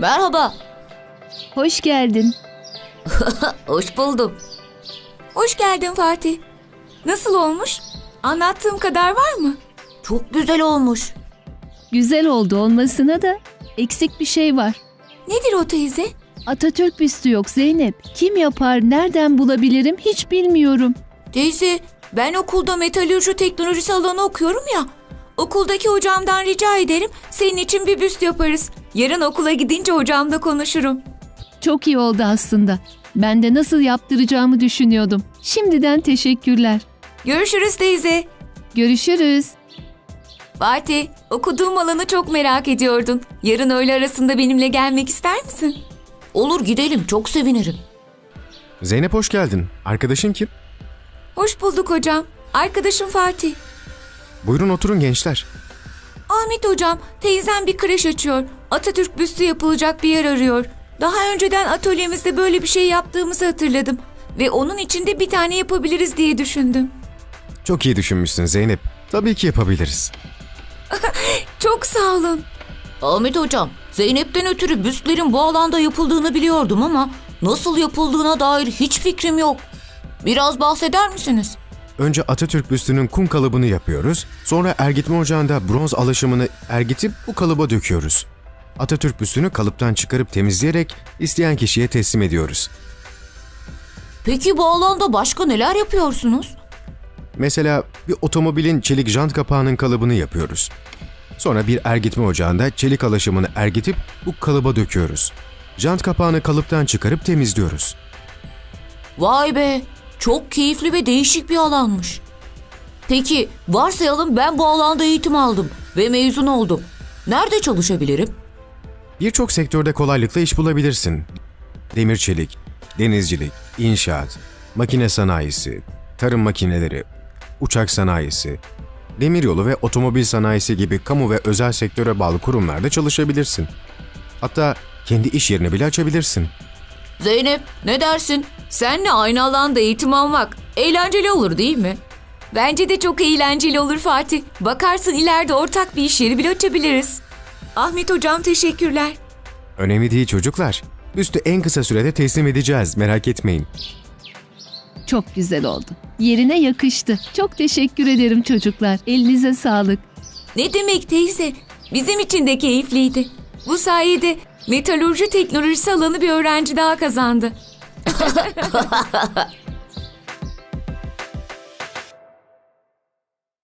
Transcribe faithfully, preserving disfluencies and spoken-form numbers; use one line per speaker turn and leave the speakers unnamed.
Merhaba.
Hoş geldin.
Hoş buldum.
Hoş geldin Fatih. Nasıl olmuş? Anlattığım kadar var mı?
Çok güzel olmuş.
Güzel oldu olmasına da eksik bir şey var.
Nedir o teyze?
Atatürk büstü yok Zeynep. Kim yapar, nereden bulabilirim hiç bilmiyorum.
Teyze, ben okulda metalürji teknolojisi alanı okuyorum ya. Okuldaki hocamdan rica ederim, senin için bir büst yaparız. Yarın okula gidince hocamla konuşurum.
Çok iyi oldu aslında. Ben de nasıl yaptıracağımı düşünüyordum. Şimdiden teşekkürler.
Görüşürüz teyze.
Görüşürüz.
Fatih, okuduğum alanı çok merak ediyordun. Yarın öğle arasında benimle gelmek ister misin?
Olur, gidelim, çok sevinirim.
Zeynep hoş geldin. Arkadaşın kim?
Hoş bulduk hocam. Arkadaşım Fatih.
Buyurun oturun gençler.
Ahmet hocam, teyzem bir kreş açıyor. Atatürk büstü yapılacak bir yer arıyor. Daha önceden atölyemizde böyle bir şey yaptığımızı hatırladım. Ve onun içinde bir tane yapabiliriz diye düşündüm.
Çok iyi düşünmüşsün Zeynep. Tabii ki yapabiliriz.
Çok sağ olun.
Ahmet hocam, Zeynep'ten ötürü büstlerin bu alanda yapıldığını biliyordum ama nasıl yapıldığına dair hiç fikrim yok. Biraz bahseder misiniz?
Önce Atatürk büstünün kum kalıbını yapıyoruz. Sonra ergitme ocağında bronz alaşımını ergitip bu kalıba döküyoruz. Atatürk büstünü kalıptan çıkarıp temizleyerek isteyen kişiye teslim ediyoruz.
Peki bu alanda başka neler yapıyorsunuz?
Mesela bir otomobilin çelik jant kapağının kalıbını yapıyoruz. Sonra bir ergitme ocağında çelik alaşımını ergitip bu kalıba döküyoruz. Jant kapağını kalıptan çıkarıp temizliyoruz.
Vay be, çok keyifli ve değişik bir alanmış. Peki varsayalım ben bu alanda eğitim aldım ve mezun oldum. Nerede çalışabilirim?
Birçok sektörde kolaylıkla iş bulabilirsin. Demir çelik, denizcilik, inşaat, makine sanayisi, tarım makineleri, uçak sanayisi, demiryolu ve otomobil sanayisi gibi kamu ve özel sektöre bağlı kurumlarda çalışabilirsin. Hatta kendi iş yerini bile açabilirsin.
Zeynep, ne dersin? Seninle aynı alanda eğitim almak eğlenceli olur değil mi?
Bence de çok eğlenceli olur Fatih. Bakarsın ileride ortak bir iş yeri bile açabiliriz. Ahmet hocam teşekkürler.
Önemli değil çocuklar. Büstü en kısa sürede teslim edeceğiz, merak etmeyin.
Çok güzel oldu. Yerine yakıştı. Çok teşekkür ederim çocuklar. Elinize sağlık.
Ne demek teyze? Bizim için de keyifliydi. Bu sayede metalürji teknolojisi alanı bir öğrenci daha kazandı.